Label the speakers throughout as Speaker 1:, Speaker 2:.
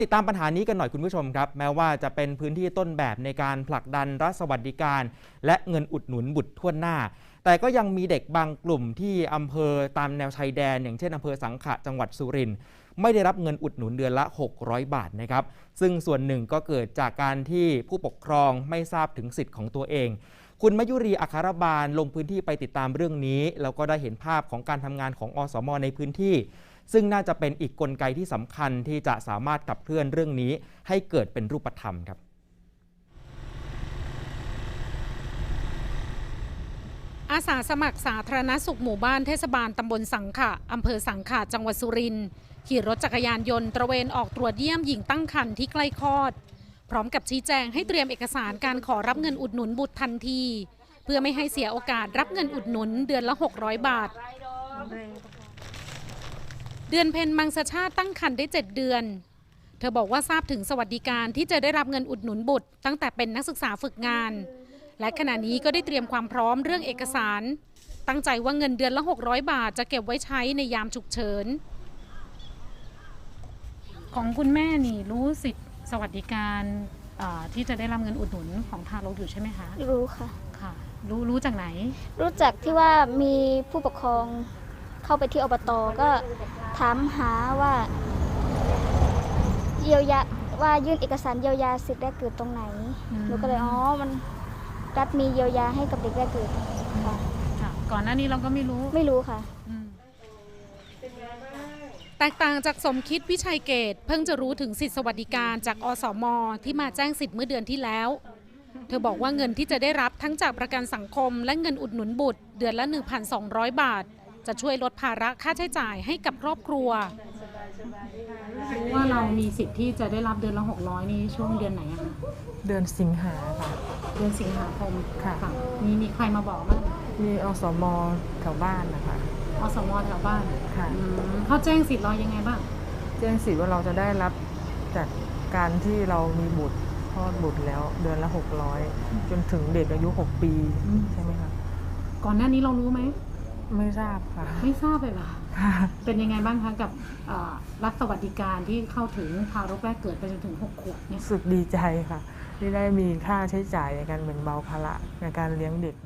Speaker 1: ติดตามปัญหานี้กันหน่อยคุณผู้ชมครับแม้ว่าจะเป็นพื้นที่ต้นแบบในการผลักดันรัฐสวัสดิการและเงินอุดหนุนบุตรทั่วหน้าแต่ก็ยังมีเด็กบางกลุ่มที่อำเภอตามแนวชายแดนอย่างเช่นอำเภอสังขะจังหวัดสุรินทร์ไม่ได้รับเงินอุดหนุนเดือนละ600 บาทนะครับซึ่งส่วนหนึ่งก็เกิดจากการที่ผู้ปกครองไม่ทราบถึงสิทธิ์ของตัวเองคุณมยุรีอัครบาลลงพื้นที่ไปติดตามเรื่องนี้แล้วก็ได้เห็นภาพของการทำงานของอสม.ในพื้นที่ซึ่งน่าจะเป็นอีกกลไกที่สำคัญที่จะสามารถขับเคลื่อนเรื่องนี้ให้เกิดเป็นรูปธรรมครับ
Speaker 2: อาสาสมัครสาธารณสุขหมู่บ้านเทศบาลตำบลสังขะอำเภอสังขะจังหวัดสุรินทร์ขี่รถจักรยานยนต์ตระเวนออกตรวจเยี่ยมหญิงตั้งครรภ์ที่ใกล้คลอดพร้อมกับชี้แจงให้เตรียมเอกสารการขอรับเงินอุดหนุนบุตรทันทีเพื่อไม่ให้เสียโอกาสรับเงินอุดหนุนเดือนละ600 บาทเดือนเพ็ญมังสชาติตั้งครรภ์ได้7 เดือนเธอบอกว่าทราบถึงสวัสดิการที่จะได้รับเงินอุดหนุนบุตรตั้งแต่เป็นนักศึกษาฝึกงานและขณะนี้ก็ได้เตรียมความพร้อมเรื่องเอกสารตั้งใจว่าเงินเดือนละ600 บาทจะเก็บไว้ใช้ในยามฉุกเฉินของคุณแม่นี่รู้สิทธิสวัสดิการที่จะได้รับเงินอุดหนุนของทารกอยู่ใช่ไหมคะ
Speaker 3: รู้ค่ะ
Speaker 2: ค่ะรู้จากไหน
Speaker 3: รู้จักที่ว่ามีผู้ปกครองเข้าไปที่อบต.ก็ถามหาว่าเยียวยาว่ายื่นเอกสารเยียวยาสิทธิ์แรกเกิดตรงไหนหนูก็เลยมันรัฐมีเยียวยาให้กับเด็กแรกเกิดค่ะ
Speaker 2: ก่อนหน้านี้เราก็ไม่
Speaker 3: รู้ค่ะ
Speaker 2: แตกต่างจากสมคิดวิชัยเกตเพิ่งจะรู้ถึงสิทธิสวัสดิการจากอสม.ที่มาแจ้งสิทธิ์เมื่อเดือนที่แล้วเธอบอกว่าเงินที่จะได้รับทั้งจากประกันสังคมและเงินอุดหนุนบุตรเดือนละ 1,200 บาทจะช่วยลดภาระค่าใช้จ่ายให้กับครอบครัวรู้ว่าเรามีสิทธิ์ที่จะได้รับเดือนละ600นี่ช่วงเดือนไหนคะ
Speaker 4: เดือนสิงหาค่ะ
Speaker 2: เดือนสิงหาคม
Speaker 4: ค่ะ
Speaker 2: มีใครมาบอกบ้าง
Speaker 4: มีอสม.แถวบ้านนะคะ
Speaker 2: อสม.แถวบ้าน
Speaker 4: ค่ะ
Speaker 2: เขาแจ้งสิทธิ์เรายังไงบ้าง
Speaker 4: แจ้งสิทธิ์ว่าเราจะได้รับจากการที่เรามีบุตรคลอดบุตรแล้วเดือนละ600จนถึงเด็กอายุ6 ปีใช่ไหมคะ
Speaker 2: ก่อนหน้านี้เรารู้ไหม
Speaker 4: ไม่ทราบค่ะ
Speaker 2: ไม่ทราบเลยเหรอเป็นยังไงบ้างคะกับรัฐสวัสดิการที่เข้าถึงทารกแรกเกิดไปจนถึง6 ขวบเนี่ย
Speaker 4: รู้สึกดีใจค่ะที่ได้มีค่าใช้จ่ายในการแบ่งเบาภาระในการเลี้ยงเด็ก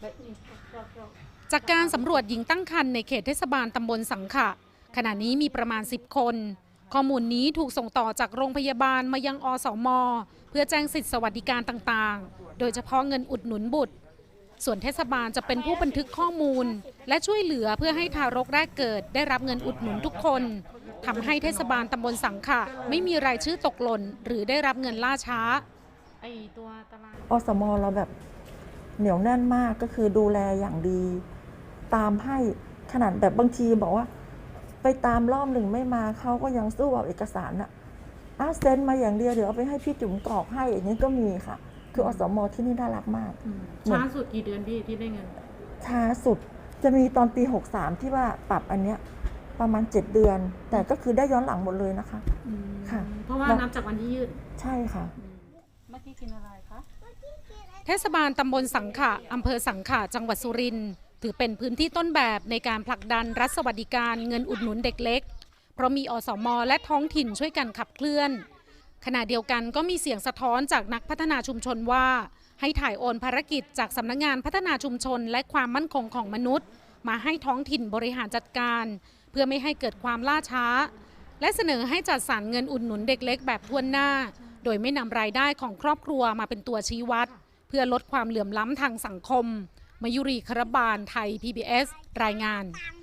Speaker 2: จากการสำรวจหญิงตั้งครรภ์ในเขตเทศบาลตำบลสังขะขณะนี้มีประมาณ10 คนข้อมูลนี้ถูกส่งต่อจากโรงพยาบาลมายังอสม.เพื่อแจ้งสิทธิสวัสดิการต่างๆโดยเฉพาะเงินอุดหนุนบุตรส่วนเทศบาลจะเป็นผู้บันทึกข้อมูลและช่วยเหลือเพื่อให้ทารกแรกเกิดได้รับเงินอุดหนุนทุกคนทำให้เทศบาลตำบลสังขะไม่มีรายชื่อตกหล่นหรือได้รับเงินล่าช้า
Speaker 5: ตัวตารางอสม.เราแบบเหนียวแน่นมากก็คือดูแลอย่างดีตามให้ขนาดแบบบางทีบอกว่าไปตามรอบหนึ่งไม่มาเขาก็ยังสู้เอาเอกสารเซ็นมาอย่างเดียวเดี๋ยวเอาไปให้พี่จุ๋มกรอกให้อย่างนี้ก็มีค่ะคืออสม.ที่นี่น่ารักมาก
Speaker 2: ช้าสุดกี่เดือนพี่ที่ได้เงิน
Speaker 5: ช้าสุดจะมีตอนปี63ที่ว่าปรับอันเนี้ยประมาณ7 เดือนแต่ก็คือได้ย้อนหลังหมดเลยนะคะ
Speaker 2: ค่ะเพราะว่านับจากวันที่ยื่น
Speaker 5: ใช่ค่ะ
Speaker 2: เมื่อกี้กินอะไรคะเทศบาลตำบลสังขะอำเภอสังขะจังหวัดสุรินทร์ถือเป็นพื้นที่ต้นแบบในการผลักดันรัฐสวัสดิการเงินอุดหนุนเด็กเล็กเพราะมีอสม.และท้องถิ่นช่วยกันขับเคลื่อนขณะเดียวกันก็มีเสียงสะท้อนจากนักพัฒนาชุมชนว่าให้ถ่ายโอนภารกิจจากสำนักงานพัฒนาชุมชนและความมั่นคงของมนุษย์มาให้ท้องถิ่นบริหารจัดการเพื่อไม่ให้เกิดความล่าช้าและเสนอให้จัดสรรเงินอุดหนุนเด็กเล็กแบบทั่วหน้าโดยไม่นำรายได้ของครอบครัวมาเป็นตัวชี้วัดเพื่อลดความเหลื่อมล้ำทางสังคมมยุรี ครบาลไทย PBS รายงาน